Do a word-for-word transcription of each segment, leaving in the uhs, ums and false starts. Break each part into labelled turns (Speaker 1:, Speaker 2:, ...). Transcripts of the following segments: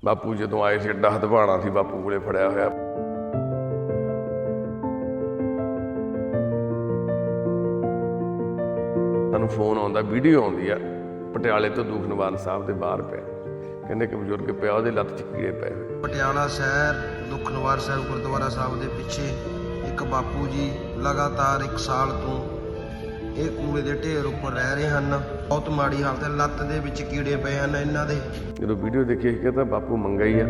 Speaker 1: ਬਾਪੂ ਜਦੋਂ ਆਏ ਸੀ ਐਡਾ ਹਦਵਾਣਾ ਸੀ ਬਾਪੂ ਕੋਲੇ ਫੜਿਆ ਹੋਇਆ। ਸਾਨੂੰ ਫੋਨ ਆਉਂਦਾ, ਵੀਡੀਓ ਆਉਂਦੀ ਆ ਪਟਿਆਲੇ ਤੋਂ ਦੂਖ ਨਿਵਾਰਨ ਸਾਹਿਬ ਦੇ ਬਾਹਰ ਪਿਆ, ਕਹਿੰਦੇ ਕਿ ਬਜ਼ੁਰਗ ਪਿਆ ਉਹਦੇ ਲੱਤ 'ਚ ਕੀੜੇ ਪਏ ਹੋਏ।
Speaker 2: ਪਟਿਆਲਾ ਸ਼ਹਿਰ ਦੁੱਖ ਨਿਵਾਰਨ ਸਾਹਿਬ ਗੁਰਦੁਆਰਾ ਸਾਹਿਬ ਦੇ ਪਿੱਛੇ ਇੱਕ ਬਾਪੂ ਜੀ ਲਗਾਤਾਰ ਇੱਕ ਸਾਲ ਤੋਂ ਇਹ ਕੂੜੇ ਦੇ ਢੇਰ ਉੱਪਰ ਰਹਿ ਰਹੇ ਹਨ। ਬਹੁਤ ਮਾੜੀ ਹਾਲਤ ਹੈ, ਲੱਤ ਦੇ ਵਿੱਚ ਕੀੜੇ ਪਏ ਹਨ ਇਹਨਾਂ ਦੇ।
Speaker 1: ਜਦੋਂ ਵੀਡੀਓ ਦੇਖੀ ਕਿ ਤਾਂ ਬਾਪੂ ਮੰਗਾ ਹੀ ਆ,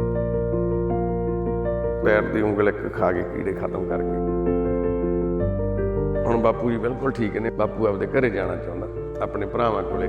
Speaker 1: ਪੈਰ ਦੀ ਉਂਗਲ ਇੱਕ ਖਾ ਕੇ ਕੀੜੇ ਖਤਮ ਕਰਕੇ। ਹੁਣ ਬਾਪੂ ਜੀ ਬਿਲਕੁਲ ਠੀਕ ਨੇ। ਬਾਪੂ ਆਪਦੇ ਘਰੇ ਜਾਣਾ ਚਾਹੁੰਦਾ ਆਪਣੇ ਭਰਾਵਾਂ ਕੋਲੇ।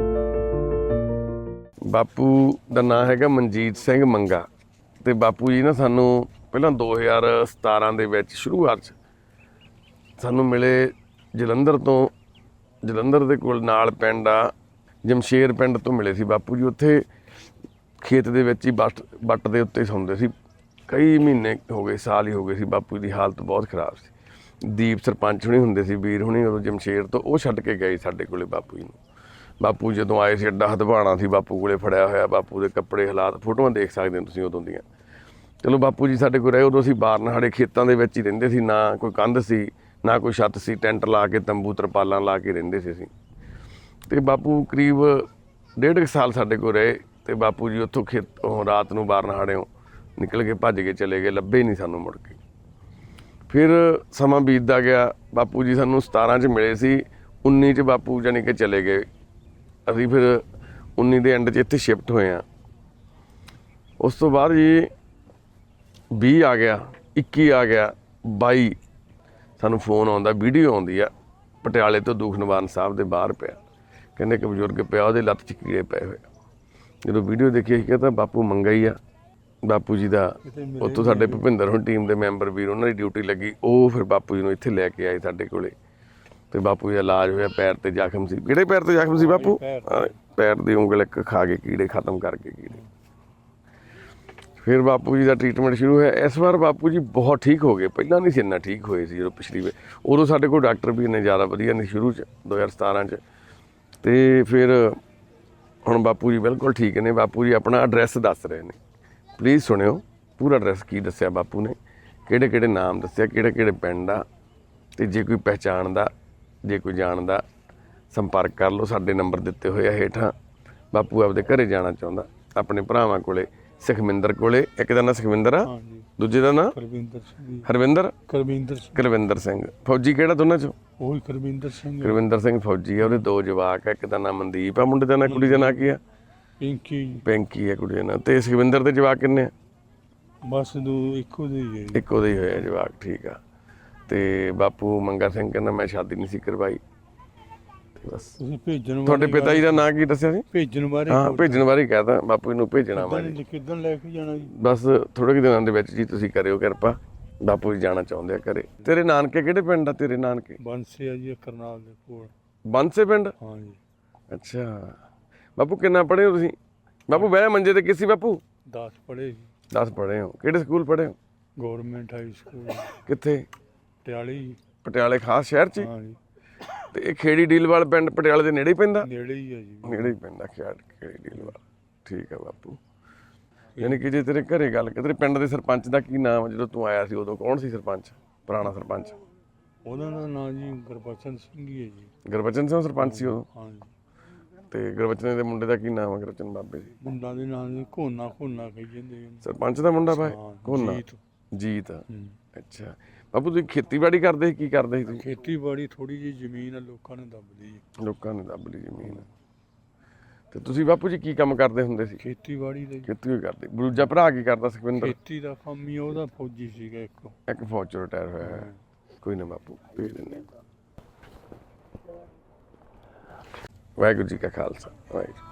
Speaker 1: ਬਾਪੂ ਦਾ ਨਾਂ ਹੈਗਾ ਮਨਜੀਤ ਸਿੰਘ ਮੰਗਾ। ਤੇ ਬਾਪੂ ਜੀ ਨਾ ਸਾਨੂੰ ਪਹਿਲਾਂ ਦੋ ਹਜ਼ਾਰ ਸਤਾਰਾਂ ਦੇ ਵਿੱਚ ਸ਼ੁਰੂਆਤ 'ਚ ਸਾਨੂੰ ਮਿਲੇ ਜਲੰਧਰ ਤੋਂ। ਜਲੰਧਰ ਦੇ ਕੋਲ ਨਾਲ ਪਿੰਡ ਆ ਜਮਸ਼ੇਰ ਪਿੰਡ ਤੋਂ ਮਿਲੇ ਸੀ ਬਾਪੂ ਜੀ। ਉੱਥੇ ਖੇਤ ਦੇ ਵਿੱਚ ਹੀ ਬੱਟ ਬੱਟ ਦੇ ਉੱਤੇ ਸੌਂਦੇ ਸੀ। ਕਈ ਮਹੀਨੇ ਹੋ ਗਏ, ਸਾਲ ਹੀ ਹੋ ਗਏ ਸੀ। ਬਾਪੂ ਦੀ ਹਾਲਤ ਬਹੁਤ ਖਰਾਬ ਸੀ। ਦੀਪ ਸਰਪੰਚ ਹੁਣੀ ਹੁੰਦੇ ਸੀ, ਵੀਰ ਹੁਣੀ ਉਦੋਂ ਜਮਸ਼ੇਰ ਤੋਂ, ਉਹ ਛੱਡ ਕੇ ਗਏ ਸਾਡੇ ਕੋਲੇ ਬਾਪੂ ਜੀ ਨੂੰ। ਬਾਪੂ ਜਦੋਂ ਆਏ ਸੀ ਐਡਾ ਹਦਵਾਣਾ ਸੀ ਬਾਪੂ ਕੋਲੇ ਫੜਿਆ ਹੋਇਆ। ਬਾਪੂ ਦੇ ਕੱਪੜੇ ਹਾਲਾਤ ਫੋਟੋਆਂ ਦੇਖ ਸਕਦੇ ਹੋ ਤੁਸੀਂ ਉਦੋਂ ਦੀਆਂ। ਚਲੋ ਬਾਪੂ ਜੀ ਸਾਡੇ ਕੋਲ ਰਹੇ। ਉਦੋਂ ਅਸੀਂ ਬਾਰਨਹਾੜੇ ਖੇਤਾਂ ਦੇ ਵਿੱਚ ਹੀ ਰਹਿੰਦੇ ਸੀ, ਨਾ ਕੋਈ ਕੰਧ ਸੀ ਨਾ ਕੋਈ ਛੱਤ ਸੀ। ਟੈਂਟ ਲਾ ਕੇ ਤੰਬੂ ਤਰਪਾਲਾਂ ਲਾ ਕੇ ਰਹਿੰਦੇ ਸੀ ਅਸੀਂ। ਤੇ ਬਾਪੂ ਕਰੀਬ ਡੇਢ ਕੁ ਸਾਲ ਸਾਡੇ ਕੋਲ ਰਹੇ। ਤੇ ਬਾਪੂ ਜੀ ਉੱਥੋਂ ਖੇਤ ਰਾਤ ਨੂੰ ਬਾਰਨਹਾੜਿਓਂ ਨਿਕਲ ਕੇ ਭੱਜ ਕੇ ਚਲੇ ਗਏ, ਲੱਭੇ ਨਹੀਂ ਸਾਨੂੰ ਮੁੜ ਕੇ। ਫਿਰ ਸਮਾਂ ਬੀਤਦਾ ਗਿਆ। ਬਾਪੂ ਜੀ ਸਾਨੂੰ ਸਤਾਰਾਂ 'ਚ ਮਿਲੇ ਸੀ, ਉੱਨੀ 'ਚ ਬਾਪੂ ਜਾਣੀ ਕਿ ਚਲੇ ਗਏ। ਅਸੀਂ ਫਿਰ ਉੱਨੀ ਦੇ ਐਂਡ 'ਚ ਇੱਥੇ ਸ਼ਿਫਟ ਹੋਏ ਹਾਂ। ਉਸ ਤੋਂ ਬਾਅਦ ਜੀ ਵੀਹ ਆ ਗਿਆ, ਇੱਕੀ ਆ ਗਿਆ, ਬਾਈ ਸਾਨੂੰ ਫੋਨ ਆਉਂਦਾ, ਵੀਡੀਓ ਆਉਂਦੀ ਆ ਪਟਿਆਲੇ ਤੋਂ ਦੂਖ ਨਿਵਾਰਨ ਸਾਹਿਬ ਦੇ ਬਾਹਰ ਪਿਆ, ਕਹਿੰਦੇ ਕਿ ਬਜ਼ੁਰਗ ਪਿਆ ਉਹਦੇ ਲੱਤ 'ਚ ਕੀੜੇ ਪਏ ਹੋਏ। ਜਦੋਂ ਵੀਡੀਓ ਦੇਖੀ ਅਸੀਂ ਕਹਿੰਦਾ ਬਾਪੂ ਮੰਗਾ ਹੀ ਆ। ਬਾਪੂ ਜੀ ਦਾ ਉੱਥੋਂ ਸਾਡੇ ਭੁਪਿੰਦਰ ਹੁਣ ਟੀਮ ਦੇ ਮੈਂਬਰ ਵੀਰ, ਉਹਨਾਂ ਦੀ ਡਿਊਟੀ ਲੱਗੀ। ਉਹ ਫਿਰ ਬਾਪੂ ਜੀ ਨੂੰ ਇੱਥੇ ਲੈ ਕੇ ਆਏ ਸਾਡੇ ਕੋਲੇ। ਤੇ ਬਾਪੂ ਜੀ ਦਾ ਇਲਾਜ ਹੋਇਆ। ਪੈਰ ਤੇ ਜ਼ਖਮ ਸੀ। ਕਿਹੜੇ ਪੈਰ ਤੇ ਜ਼ਖਮ ਸੀ ਬਾਪੂ? ਪੈਰ ਦੀ ਉਂਗਲ ਇੱਕ ਖਾ ਕੇ ਕੀੜੇ ਖਤਮ ਕਰਕੇ ਕੀੜੇ। ਫਿਰ ਬਾਪੂ ਜੀ ਦਾ ਟ੍ਰੀਟਮੈਂਟ ਸ਼ੁਰੂ ਹੋਇਆ। ਇਸ ਵਾਰ ਬਾਪੂ ਜੀ ਬਹੁਤ ਠੀਕ ਹੋ ਗਏ। ਪਹਿਲਾਂ ਨਹੀਂ ਸੀ ਇੰਨਾ ਠੀਕ ਹੋਏ ਸੀ ਜਦੋਂ ਪਿਛਲੀ ਵਾਰ। ਉਦੋਂ ਸਾਡੇ ਕੋਲ ਡਾਕਟਰ ਵੀ ਇੰਨੇ ਜ਼ਿਆਦਾ ਵਧੀਆ ਨਹੀਂ ਸ਼ੁਰੂ 'ਚ ਦੋ ਹਜ਼ਾਰ ਸਤਾਰਾਂ 'ਚ। ਅਤੇ ਫਿਰ ਹੁਣ ਬਾਪੂ ਜੀ ਬਿਲਕੁਲ ਠੀਕ ਨੇ। ਬਾਪੂ ਜੀ ਆਪਣਾ ਐਡਰੈਸ ਦੱਸ ਰਹੇ ਨੇ, ਪਲੀਜ਼ ਸੁਣਿਓ ਪੂਰਾ ਐਡਰੈਸ ਕੀ ਦੱਸਿਆ ਬਾਪੂ ਨੇ, ਕਿਹੜੇ ਕਿਹੜੇ ਨਾਮ ਦੱਸਿਆ, ਕਿਹੜੇ ਕਿਹੜੇ ਪਿੰਡ ਆ। ਅਤੇ ਜੇ ਕੋਈ ਪਹਿਚਾਣਦਾ, ਜੇ ਕੋਈ ਜਾਣਦਾ, ਸੰਪਰਕ ਕਰ ਲਓ। ਸਾਡੇ ਨੰਬਰ ਦਿੱਤੇ ਹੋਏ ਆ ਹੇਠਾਂ। ਬਾਪੂ ਆਪਦੇ ਘਰੇ ਜਾਣਾ ਚਾਹੁੰਦਾ ਆਪਣੇ ਭਰਾਵਾਂ ਕੋਲੇ, ਸੁਖਵਿੰਦਰ ਕੋਲੇ। ਇੱਕ ਦਾ ਨਾਂ ਸੁਖਵਿੰਦਰ ਆ, ਦੂਜੇ ਦਾ ਨਾਂ
Speaker 3: ਕਰਵਿੰਦਰ ਸਿੰਘ।
Speaker 1: ਹਰਵਿੰਦਰ
Speaker 3: ਕਰਵਿੰਦਰ ਸਿੰਘ।
Speaker 1: ਕਰਵਿੰਦਰ ਸਿੰਘ। ਫੌਜੀ ਕਿਹੜਾ ਦੋਨਾਂ 'ਚੋਂ?
Speaker 3: ਉਹੀ ਕਰਵਿੰਦਰ ਸਿੰਘ।
Speaker 1: ਕਰਵਿੰਦਰ ਸਿੰਘ ਫੌਜੀ ਆ। ਉਹਦੇ ਦੋ ਜਵਾਕ ਆ। ਇੱਕ ਦਾ ਨਾਂ ਮਨਦੀਪ ਆ, ਮੁੰਡੇ ਦਾ ਨਾਂ, ਕੁੜੀ ਦਾ ਨਾਂ ਕੀ ਆ?
Speaker 3: ਪਿੰਕੀ।
Speaker 1: ਪਿੰਕੀ ਆ ਕੁੜੀ ਦਾ ਨਾਂ। ਅਤੇ ਸੁਖਵਿੰਦਰ ਦੇ ਜਵਾਕ ਕਿੰਨੇ ਆ?
Speaker 3: ਬਸ ਦੋ ਇੱਕੋ ਦੇ ਹੀ ਹੈ।
Speaker 1: ਇੱਕੋ ਦੇ ਹੀ ਹੋਏ ਆ ਜਵਾਕ, ਠੀਕ ਆ। ਅਤੇ ਬਾਪੂ ਮੰਗਾ ਸਿੰਘ ਕਹਿੰਦਾ ਮੈਂ ਸ਼ਾਦੀ ਨਹੀਂ ਸੀ ਕਰਵਾਈ। ਬਸ
Speaker 3: ਤੁਸੀਂ ਭੇਜਣ
Speaker 1: ਤੁਹਾਡੇ ਪਿਤਾ ਜੀ ਦਾ ਨਾਂ ਕੀ ਦੱਸਿਆ ਸੀ?
Speaker 3: ਭੇਜਣ ਬਾਰੇ?
Speaker 1: ਹਾਂ, ਭੇਜਣ ਬਾਰੇ ਕਹਿ ਤਾ ਬਾਪੂ ਨੂੰ ਭੇਜਣਾ ਵਾ ਜੀ।
Speaker 3: ਕਿੱਦਣ ਲੈ ਕੇ ਜਾਣਾ ਜੀ?
Speaker 1: ਬਸ ਥੋੜੇ ਕੁ ਦਿਨਾਂ ਦੇ ਵਿੱਚ ਜੀ ਤੁਸੀਂ ਕਰਿਓ ਕਿਰਪਾ। ਬਾਪੂ ਜੀ ਜਾਣਾ ਚਾਹੁੰਦੇ ਆ ਘਰੇ। ਤੇਰੇ ਨਾਨਕੇ ਕਿਹੜੇ ਪਿੰਡ ਆ? ਤੇਰੇ ਨਾਨਕੇ
Speaker 3: ਬੰਸੇ ਆ ਜੀ, ਕਰਨਾਲ ਦੇ ਕੋਲ।
Speaker 1: ਬੰਸੇ ਪਿੰਡ?
Speaker 3: ਹਾਂ ਜੀ।
Speaker 1: ਅੱਛਾ ਬਾਪੂ ਕਿੰਨਾ ਪੜ੍ਹੇ ਹੋ ਤੁਸੀਂ? ਬਾਪੂ ਬਹਿ ਮੰਜੇ ਤੇ ਕਿਸੇ ਬਾਪੂ?
Speaker 3: ਦਸ ਪੜ੍ਹੇ ਜੀ।
Speaker 1: ਦਸ ਪੜ੍ਹੇ ਹੋ। ਕਿਹੜੇ ਸਕੂਲ ਪੜ੍ਹੇ ਹੋ?
Speaker 3: Government high school.
Speaker 1: ਕਿੱਥੇ?
Speaker 3: ਪਟਿਆਲੇ ਜੀ।
Speaker 1: ਪਟਿਆਲੇ ਖਾਸ ਸ਼ਹਿਰ 'ਚ?
Speaker 3: ਹਾਂ ਜੀ।
Speaker 1: ਤੇ ਇਹ ਖੇੜੀ ਡੀਲਵਾਲ ਪਿੰਡ ਪਟਿਆਲੇ ਦੇ ਨੇੜੇ ਹੀ ਪੈਂਦਾ?
Speaker 3: ਨੇੜੇ ਹੀ ਆ ਜੀ।
Speaker 1: ਨੇੜੇ ਹੀ ਪੈਂਦਾ ਖੇੜ ਖੇੜੀ ਡੀਲਵਾਲ। ਠੀਕ ਆ ਬਾਪੂ। ਯਾਨੀ ਕਿ ਜੇ ਤੇਰੇ ਘਰੇ ਗੱਲ ਕਰ, ਤੇਰੇ ਪਿੰਡ ਦੇ ਸਰਪੰਚ ਦਾ ਕੀ ਨਾਮ? ਜਦੋਂ ਤੂੰ ਆਇਆ ਸੀ ਉਦੋਂ ਕੌਣ ਸੀ ਸਰਪੰਚ, ਪੁਰਾਣਾ ਸਰਪੰਚ?
Speaker 3: ਉਹਨਾਂ ਦਾ ਨਾਂ ਜੀ ਗੁਰਬਚਨ ਸਿੰਘ ਹੀ ਹੈ ਜੀ।
Speaker 1: ਗੁਰਬਚਨ ਸਿੰਘ ਸਰਪੰਚ ਸੀ ਉਦੋਂ?
Speaker 3: ਹਾਂ ਜੀ।
Speaker 1: ਤੇ ਗੁਰਬਚਨ ਦੇ ਮੁੰਡੇ ਦਾ ਕੀ ਨਾਮ ਹੈ? ਗੁਰਬਚਨ ਬਾਬੇ ਜੀ
Speaker 3: ਮੁੰਡਾ ਦੇ ਨਾਂ ਜੀ ਕੋਨਾ ਕੋਨਾ ਕਹੀ ਜਾਂਦੇ।
Speaker 1: ਸਰਪੰਚ ਦਾ ਮੁੰਡਾ ਭਾਈ? ਕੋਨਾ?
Speaker 3: ਜੀਤ।
Speaker 1: ਜੀਤ। ਅੱਛਾ ਬਾਪੂ ਤੁਸੀਂ ਖੇਤੀਬਾੜੀ ਕਰਦੇ ਸੀ? ਕੀ ਕਰਦੇ ਸੀ ਤੁਸੀਂ?
Speaker 3: ਖੇਤੀਬਾੜੀ ਥੋੜੀ ਜਿਹੀ ਜ਼ਮੀਨ ਆ, ਲੋਕਾਂ ਨੇ ਦੱਬ ਲਈ।
Speaker 1: ਲੋਕਾਂ ਨੇ ਦੱਬ ਲਈ ਜ਼ਮੀਨ। ਤੇ ਤੁਸੀਂ ਬਾਪੂ ਜੀ ਕੀ ਕੰਮ ਕਰਦੇ ਹੁੰਦੇ ਸੀ?
Speaker 3: ਖੇਤੀਬਾੜੀ ਦਾ।
Speaker 1: ਖੇਤੀ ਕਰਦੇ। ਦੂਜਾ ਭਰਾ ਕੀ ਕਰਦਾ ਸੁਖਵਿੰਦਰ?
Speaker 3: ਖੇਤੀ ਦਾ ਕੰਮ ਹੀ ਉਹਦਾ ਫੌਜੀ ਸੀਗਾ ਇੱਕ।
Speaker 1: ਇੱਕ ਫੌਜ 'ਚੋਂ ਰਿਟਾਇਰ ਹੋਇਆ ਹੈ। ਕੋਈ ਨਾ ਬਾਪੂ ਭੇਜ ਦਿੰਦੇ। ਵਾਹਿਗੁਰੂ ਜੀ ਕਾ ਖਾਲਸਾ ਵਾਹਿਗੁਰੂ।